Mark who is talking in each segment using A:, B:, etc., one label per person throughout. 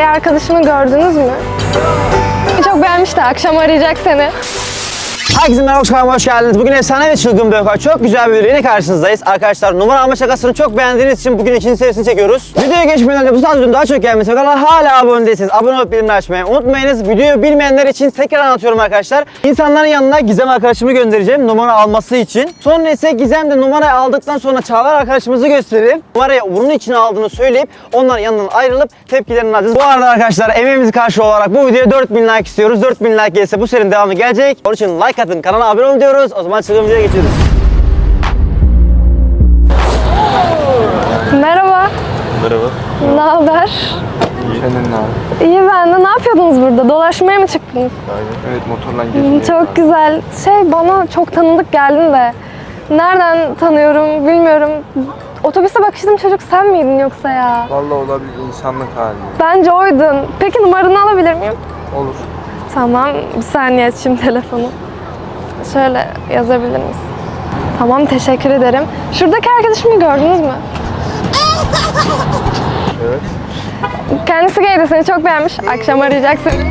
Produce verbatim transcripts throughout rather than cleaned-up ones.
A: gay arkadaşımı gördünüz mü? Çok beğenmiş de akşam arayacak seni.
B: Herkese merhaba, kanalıma hoş geldiniz. Bugün efsane ve çılgın bir vaka. Çok güzel bir videoyla karşınızdayız. Arkadaşlar, numara alma şakasını çok beğendiğiniz için bugün ikinci serisini çekiyoruz. Videoya geçmeden önce bu tarz videonun daha çok gelmesi ve kanala hala abone değilseniz abone olup bildirimleri açmayı unutmayınız. Videoyu bilmeyenler için tekrar anlatıyorum arkadaşlar. İnsanların yanına Gizem arkadaşımı göndereceğim numara alması için. Sonra ise Gizem de numarayı aldıktan sonra Çağlar arkadaşımızı gösterip numarayı bunun için aldığını söyleyip onların yanından ayrılıp tepkilerini alacağız. Bu arada arkadaşlar, emeğimizi karşı olarak bu videoya dört bin like istiyoruz. dört bin like gelirse bu serinin devamı gelecek. Onun için like atın, kanala abone olun diyoruz. O zaman çılgın videoya geçiyoruz.
A: Merhaba.
C: Merhaba.
A: Ne haber?
C: İyi. Senin ne haber?
A: İyi ben de. Ne yapıyordunuz burada? Dolaşmaya mı çıktınız?
C: Aynen. Evet, motorla gezdim.
A: Çok güzel. Şey, bana çok tanıdık geldin de. Nereden tanıyorum bilmiyorum. Otobüse bakıştım, çocuk sen miydin yoksa ya?
C: Vallahi olabilir, insanlık hali.
A: Bence oydun. Peki numaranı alabilir miyim?
C: Olur.
A: Tamam. Bir saniye açayım telefonu. Şöyle yazabilir misin? Tamam, teşekkür ederim. Şuradaki arkadaşımı gördünüz mü?
C: Evet.
A: Kendisi gaydi, seni çok beğenmiş. Akşam arayacak seni.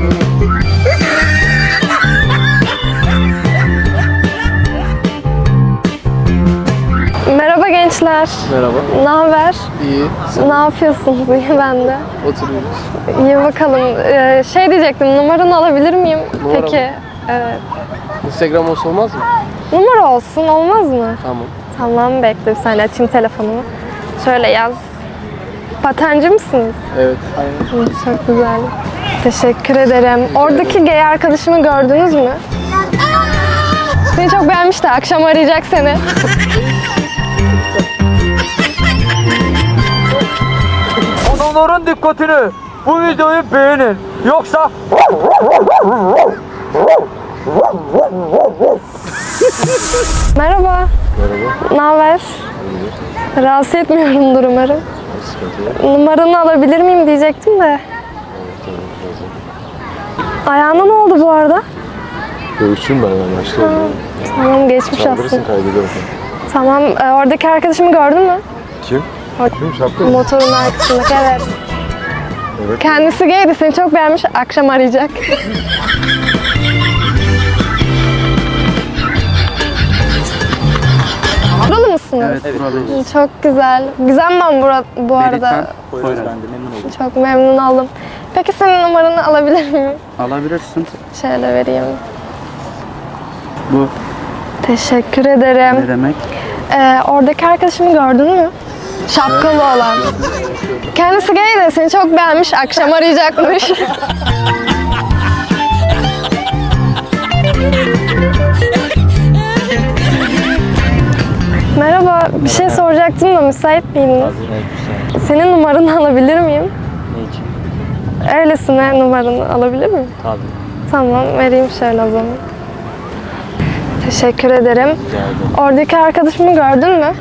A: Merhaba gençler.
C: Merhaba.
A: Ne haber?
C: İyi.
A: Ne yapıyorsunuz? İyi ben de.
C: Oturuyoruz.
A: İyi bakalım. Ee, şey diyecektim, numaranı alabilir miyim?
C: Numara
A: Peki.
C: mı?
A: Evet.
C: Instagram olsa olmaz mı?
A: Numara olsun, olmaz mı?
C: Tamam.
A: Tamam, bekle bir saniye açayım telefonumu. Şöyle yaz. Patenci misiniz?
C: Evet. Aynen.
A: Hı, çok güzel. Teşekkür ederim. Oradaki gay arkadaşımı gördünüz mü? Seni çok beğenmiş de akşam arayacak seni.
D: Adamların dikkatini, bu videoyu beğenin. Yoksa
A: Merhaba.
C: Merhaba.
A: Ne haber? Rahatsız etmiyorumdur umarım. Numaranı alabilir miyim diyecektim de. Ayağına ne oldu bu arada?
C: Dövüşçüyüm ben hemen başta.
A: Tamam, geçmiş olsun.
C: Saldırırsın, kaybederim.
A: Tamam, e, oradaki arkadaşımı gördün mü?
C: Kim? Kim? Şapka.
A: Motorun arkasındaki, evet.
C: Evet.
A: Kendisi gaydi, seni çok beğenmiş. Akşam arayacak. Buralı mısınız?
E: Evet, buradayız.
A: Çok güzel. Güzel ben bura, bu arada.
E: Buyurun, ben de memnun oldum.
A: Çok memnun oldum. Peki senin numaranı alabilir miyim?
E: Alabilirsin.
A: Şöyle vereyim.
E: Bu
A: Teşekkür
E: ne
A: ederim.
E: demek?
A: Ee, oradaki arkadaşımı gördün mü? Şapkalı olan. Kendisi gay de seni çok beğenmiş. Akşam arayacakmış. Merhaba, bir şey soracaktım da müsait miydiniz? Senin numaranı alabilir miyim?
E: Ne için?
A: Öylesine numaranı alabilir miyim?
E: Tabii.
A: Tamam, vereyim şöyle o zaman. Teşekkür ederim. Oradaki arkadaşımı gördün mü?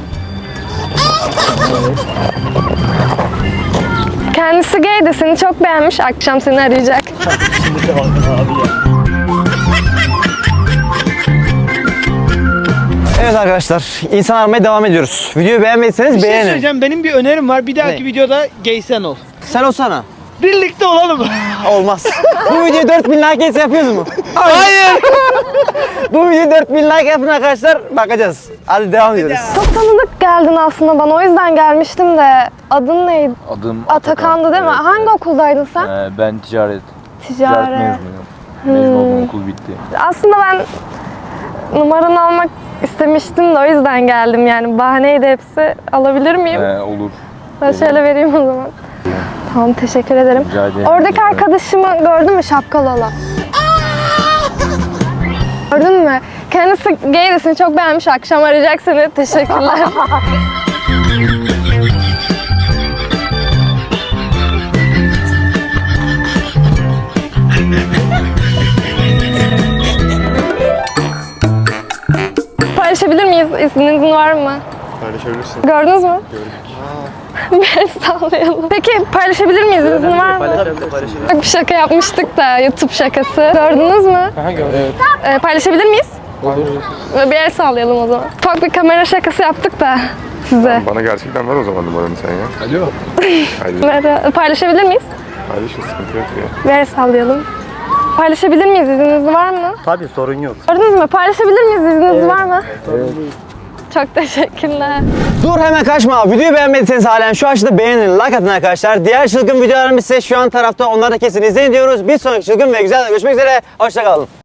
A: Kendisi gay de seni çok beğenmiş. Akşam seni arayacak.
B: Evet arkadaşlar, insan aramaya devam ediyoruz. Videoyu beğenmediyseniz
D: bir şey
B: beğenin.
D: söyleyeceğim. Benim bir önerim var. Bir dahaki
B: Ne?
D: videoda gay sen ol.
B: Sen olsana.
D: Birlikte olalım.
B: Olmaz. Bu video dört bin like gelse yapıyoruz mu?
D: Hayır.
B: Bu video dört bin like yapın arkadaşlar. Bakacağız. Hadi devam ediyoruz.
A: Çok tanıdık geldin aslında bana. O yüzden gelmiştim de. Adın neydi?
F: Adım
A: Atakan'dı değil mi?
F: Evet,
A: Hangi okuldayın sen?
F: evet. Ee, ben ticaret, ticaret
A: Ticaret.
F: mezunuyum. Mezun oldum, okul bitti.
A: Aslında ben numaranı almak istemiştim de o yüzden geldim yani. Bahaneydi hepsi. Alabilir miyim?
F: Ee, olur.
A: Ben şöyle vereyim o zaman. Tamam, teşekkür ederim.
F: Rica ederim.
A: Oradaki arkadaşımı gördün mü, şapkalı olan? Gördün mü? Kendisi gay de seni çok beğenmiş. Akşam arayacak seni. Teşekkürler. Paylaşabilir miyiz? İzninizin var mı?
C: Paylaşabilirsin.
A: Gördünüz mü? Gördük. Bir el sallayalım. Peki paylaşabilir miyiz? İzin var mı? Bak, bir şaka yapmıştık da, YouTube şakası. Gördünüz mü?
C: Aha gördüm. Evet.
A: Ee, paylaşabilir miyiz?
C: Olur.
A: Bir el sallayalım o zaman. Ufak bir kamera şakası yaptık da size.
C: Bana gerçekten ver o zaman numaranı sen ya. Alo. Hadi.
A: Kamera- Paylaşabilir miyiz?
C: Paylaşın, sıkıntı yok ya.
A: Bir el sallayalım. Paylaşabilir miyiz? İzniniz var mı?
E: Tabii sorun yok.
A: Gördünüz mü? Paylaşabilir miyiz? İzniniz var mı? Çok teşekkürler.
B: Dur hemen kaçma. Videoyu beğenmediyseniz halen şu aşağıda beğenin, like atın arkadaşlar. Diğer çılgın videolarımız ise şu an tarafta. Onları da kesin izleyin diyoruz. Bir sonraki çılgın ve güzel görüşmek üzere. Hoşça kalın.